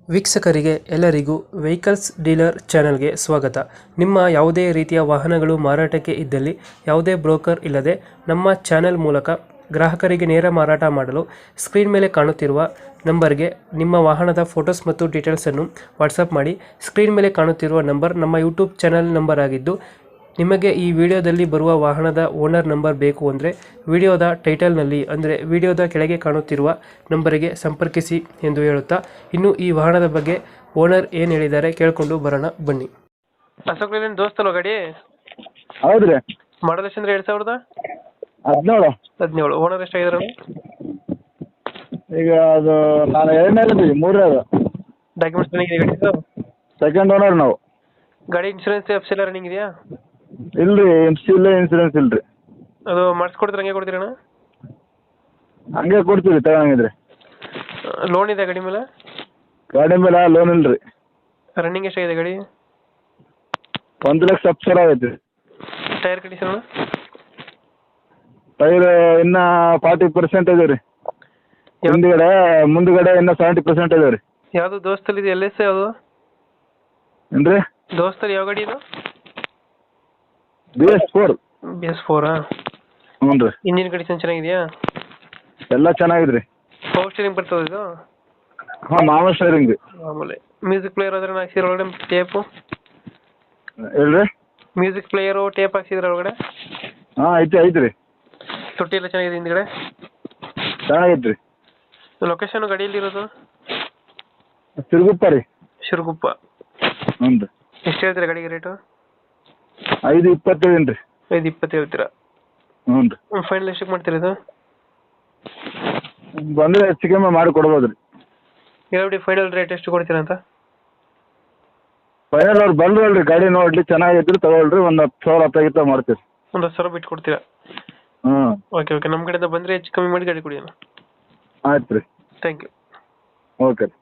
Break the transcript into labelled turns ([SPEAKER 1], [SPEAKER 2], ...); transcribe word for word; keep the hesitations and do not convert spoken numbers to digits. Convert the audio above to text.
[SPEAKER 1] ವೀಕ್ಷಕರಿಗೆ ಎಲ್ಲರಿಗೂ vehicles dealer ಚಾನೆಲ್ಗೆ ಸ್ವಾಗತ. ನಿಮ್ಮ ಯಾವುದೇ ರೀತಿಯ ವಾಹನಗಳು ಮಾರಾಟಕ್ಕೆ ಇದ್ದಲ್ಲಿ ಯಾವುದೇ ಬ್ರೋಕರ್ ಇಲ್ಲದೆ ನಮ್ಮ ಚಾನೆಲ್ ಮೂಲಕ ಗ್ರಾಹಕರಿಗೆ ನೇರ ಮಾರಾಟ ಮಾಡಲು ಸ್ಕ್ರೀನ್ ಮೇಲೆ ಕಾಣುತ್ತಿರುವ ನಂಬರ್ಗೆ ನಿಮ್ಮ ವಾಹನದ ಫೋಟೋಸ್ ಮತ್ತು ಡೀಟೇಲ್ಸನ್ನು ವಾಟ್ಸಪ್ ಮಾಡಿ. ಸ್ಕ್ರೀನ್ ಮೇಲೆ ಕಾಣುತ್ತಿರುವ ನಂಬರ್ ನಮ್ಮ ಯೂಟ್ಯೂಬ್ ಚಾನೆಲ್ ನಂಬರ್ ಆಗಿದ್ದು, ನಿಮಗೆ ಈ ವಿಡಿಯೋದಲ್ಲಿ ಬರುವ ವಾಹನದ ಓನರ್ ನಂಬರ್ ಬೇಕು ಅಂದರೆ ವಿಡಿಯೋದ ಟೈಟಲ್ನಲ್ಲಿ ಅಂದರೆ ವಿಡಿಯೋದ ಕೆಳಗೆ ಕಾಣುತ್ತಿರುವ ನಂಬರಿಗೆ ಸಂಪರ್ಕಿಸಿ ಎಂದು ಹೇಳುತ್ತಾ, ಇನ್ನು ಈ ವಾಹನದ ಬಗ್ಗೆ ಓನರ್ ಏನು ಹೇಳಿದ್ದಾರೆ ಕೇಳಿಕೊಂಡು ಬರೋಣ ಬನ್ನಿ. ಅಶೋಕ್ ಲೇಲ್ಯಾಂಡ್ ದೋಸ್ತಲ್ವ ಗಾಡಿ?
[SPEAKER 2] ಹೌದ್ರಿ.
[SPEAKER 1] ಮಾಡಲ್ ಎಷ್ಟು ಅಂದ್ರೆ ಎರಡು ಸಾವಿರದ
[SPEAKER 2] ಹದಿನೇಳು
[SPEAKER 1] ಹದಿನೇಳು ಓನರ್ ಎಷ್ಟಾಗಿದ್ದಾರೆ?
[SPEAKER 2] ಈಗ ಅದು ನಾನು ಎರಡನೇ ಮೂರನೇ ಅದು
[SPEAKER 1] ಡಾಕ್ಯುಮೆಂಟ್ಸ್ ರನ್ನಿಂಗ್ ಇದೆ ಗಾಡಿದು?
[SPEAKER 2] ಸೆಕೆಂಡ್ ಓನರ್ ನಾವು.
[SPEAKER 1] ಗಾಡಿ ಇನ್ಶೂರೆನ್ಸ್ ಎಫ್ ಎಲ್ಲ ರನ್ನಿಂಗ್ ಇದೆಯಾ?
[SPEAKER 2] ಇಲ್ರಿ, ಎಮ್ ಸಿ ಇಲ್ಲ, ಇನ್ಸೂರೆನ್ಸ್ ಇಲ್ರಿ.
[SPEAKER 1] ಅದು ಮಾಡಿಸ್ಕೊಡ್ತೀರ ಹಂಗೆ ಕೊಡ್ತೀರಣ್ಣ?
[SPEAKER 2] ಹಂಗೆ ಕೊಡ್ತೀವಿ ತಗೊಂಡಿದ್ರೆ.
[SPEAKER 1] ಲೋನ್ ಇದೆ ಗಾಡಿ ಮೇಲೆ?
[SPEAKER 2] ಗಾಡಿ ಮೇಲೆ ಲೋನ್ ಇಲ್ರಿ.
[SPEAKER 1] ರನ್ನಿಂಗ್ ಎಷ್ಟಾಗಿದೆ ಗಾಡಿ?
[SPEAKER 2] ಒಂದು ಲಕ್ಷ ಹತ್ತು ಸಾವಿರ ಆಗೈತಿ.
[SPEAKER 1] ಟೈರ್ ಕಂಡೀಷನ್ ಅಣ್ಣ?
[SPEAKER 2] ಟೈರ್ ಇನ್ನ ಫಾರ್ಟಿ ಪರ್ಸೆಂಟ್ ಇದೆ ರೀ. ಹಿಂದ್ಗಡೆ ಮುಂದ್ಗಡೆ ಇನ್ನ ಸೆವೆಂಟಿ ಪರ್ಸೆಂಟ್ ಇದೆ ರೀ.
[SPEAKER 1] ಯಾವುದು ದೋಸ್ತಲ್ಲಿ ಇದೆ? ಎಲ್ ಎಸ್ ಯಾವುದು
[SPEAKER 2] ಏನ್ರಿ?
[SPEAKER 1] ದೋಸ್ತಲ್ಲಿ ಯಾವ ಗಾಡಿ ಇದು?
[SPEAKER 2] B S four.
[SPEAKER 1] B S ಫೋರಾ?
[SPEAKER 2] ಹ್ಞೂ ರೀ.
[SPEAKER 1] ಇಂಜಿನ್ ಕಂಡೀಷನ್ ಚೆನ್ನಾಗಿದೆಯಾ?
[SPEAKER 2] ಎಲ್ಲ ಚೆನ್ನಾಗಿದ್ರಿ.
[SPEAKER 1] ಪವರ್ ಸ್ಟೀರಿಂಗ್ ಬರ್ತದೆ ಇದು?
[SPEAKER 2] ಹಾಂ, ಮಾವ ಸ್ಟೇರಿಂಗ್.
[SPEAKER 1] ಆಮೇಲೆ ಮ್ಯೂಸಿಕ್ ಪ್ಲೇಯರ್ ಅದ್ರ ಹಾಕ್ಸಿದ್ರ ಒಳಗಡೆ ಟೇಪು?
[SPEAKER 2] ಹೇಳ್ರಿ?
[SPEAKER 1] ಮ್ಯೂಸಿಕ್ ಪ್ಲೇಯರು ಟೇಪ್ ಹಾಕ್ಸಿದ್ರ ಒಳಗಡೆ?
[SPEAKER 2] ಹಾಂ, ಐತಿ ಐತಿ ರೀ.
[SPEAKER 1] ತೊಟ್ಟಿ ಎಲ್ಲ ಚೆನ್ನಾಗಿದೆ ಹಿಂದ್ಗಡೆ?
[SPEAKER 2] ಚೆನ್ನಾಗೈತಿ ರೀ.
[SPEAKER 1] ಲೊಕೇಶನ್ ಗಾಡಿಯಲ್ಲಿರೋದು?
[SPEAKER 2] ಸಿರುಗುಪ್ಪ ರೀ.
[SPEAKER 1] ಶಿರಗುಪ್ಪ.
[SPEAKER 2] ಹ್ಞೂ ರೀ.
[SPEAKER 1] ಎಷ್ಟು ಹೇಳ್ತೀರಾ ಗಾಡಿಗೆ ರೇಟು?
[SPEAKER 2] ಐದು ಇಪ್ಪತ್ತೇಳು ರೀ.
[SPEAKER 1] ಐದು ಇಪ್ಪತ್ತು ಹೇಳ್ತೀರಾ?
[SPEAKER 2] ಹ್ಞೂ ರೀ.
[SPEAKER 1] ಫೈನಲ್ ಎಷ್ಟಕ್ಕೆ ಮಾಡ್ತೀರಾ ಇದು?
[SPEAKER 2] ಬಂದರೆ ಹೆಚ್ಚು ಕಮ್ಮಿ ಮಾಡಿ ಕೊಡ್ಬೋದು ರೀ.
[SPEAKER 1] ಹೇಳ್ಬಿಡಿ ಫೈನಲ್ ರೇಟ್ ಎಷ್ಟು ಕೊಡ್ತೀರಾ ಅಂತ?
[SPEAKER 2] ಫೈನಲ್ ಅವ್ರು ಬಂದ್ರಲ್ರಿ, ಗಾಡಿ ನೋಡ್ಲಿ ಚೆನ್ನಾಗಿದ್ರು ತಗೊಳ್ರಿ, ಒಂದು ಹತ್ತು ಸಾವಿರ ಹತ್ತಾಗಿತ್ತ ಮಾಡ್ತೀವಿ.
[SPEAKER 1] ಒಂದು ಹತ್ತು ಸಾವಿರ ಬಿಟ್ಟು ಕೊಡ್ತೀರಾ?
[SPEAKER 2] ಹ್ಞೂ.
[SPEAKER 1] ಓಕೆ ಓಕೆ, ನಮ್ಮ ಕಡೆಯಿಂದ ಬಂದರೆ ಹೆಚ್ಚು ಕಮ್ಮಿ ಮಾಡಿ ಗಾಡಿ ಕೊಡಿ ಅಣ್ಣ.
[SPEAKER 2] ಆಯ್ತು ರೀ.
[SPEAKER 1] Thank you.
[SPEAKER 2] ಓಕೆ.